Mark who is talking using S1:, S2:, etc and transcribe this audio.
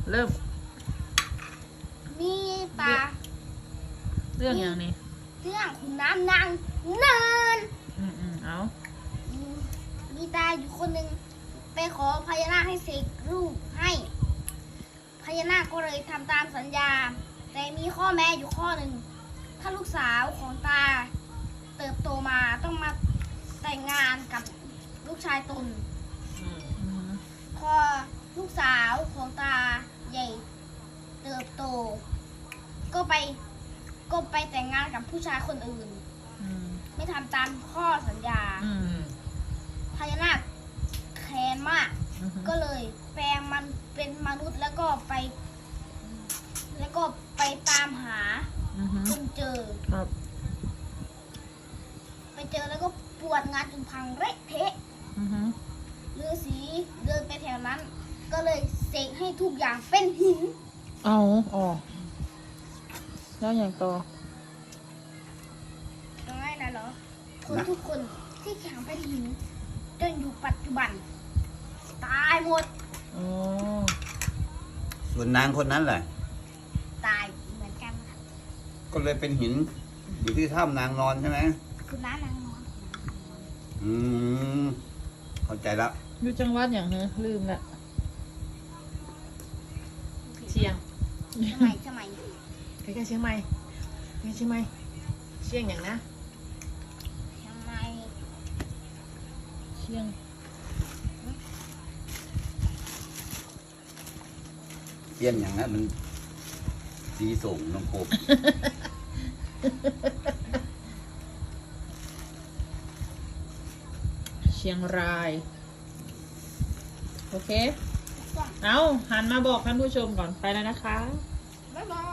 S1: เริ่ม
S2: มีตา
S1: เรื่องอย่างนี้
S2: เรื่องขุนน้ำนางเนิน
S1: เอา
S2: มีตาอยู่คนหนึ่งไปขอพญานาคให้เสกรูปให้พญานาคก็เลยทำตามสัญญาแต่มีข้อแม้อยู่ข้อหนึ่งถ้าลูกสาวของตาเติบโตมาต้องมาแต่งงานกับลูกชายตนพอลูกสาวของตาใหญ่เติบโตก็ไปแต่งงานกับผู้ชายคนอื่นไม่ทำตามข้อสัญญาพญานาคแค้นมากก็เลยแปลงมันเป็นมนุษย์แล้วก็ไปตามหาจนเจอไปเจอแล้วก็ปวดงานจนพังเละเทะฤาษีเดินไปแถวนั้นก็เลยเสกให้ทุกอย่างเป็นหิน
S1: อ๋อแล้วอย่างต่อ
S2: ง่ายนะเหรอคนทุกคนที่แข็งเป็นหินจนอยู่ปัจจุบันตายหมด
S3: ส่วนนางคนนั้นแหละ
S2: ตายเหมือนกันค่ะ
S3: ก็เลยเป็นหินอยู่ที่ถ้ำนางนอนใช่ไหม
S2: คือน้านางนอน
S3: เข้าใจแล้ว
S1: อยู่จังหวัดอย่างเนี้ยลืมละเชียง
S2: ใช่ไหม
S1: ใกล้ๆเชียงใหม่ใกล้เชียงใหม่เชียงอย่างนะ
S2: เชียงใหม่
S1: เชียง
S3: เปี้ยนอย่างนั้นมันดีส่งน้องกบ
S1: เชียงรายโอเคเอาหันมาบอกท่านผู้ชมก่อนไปแล้วนะคะ
S2: บ๊ายบาย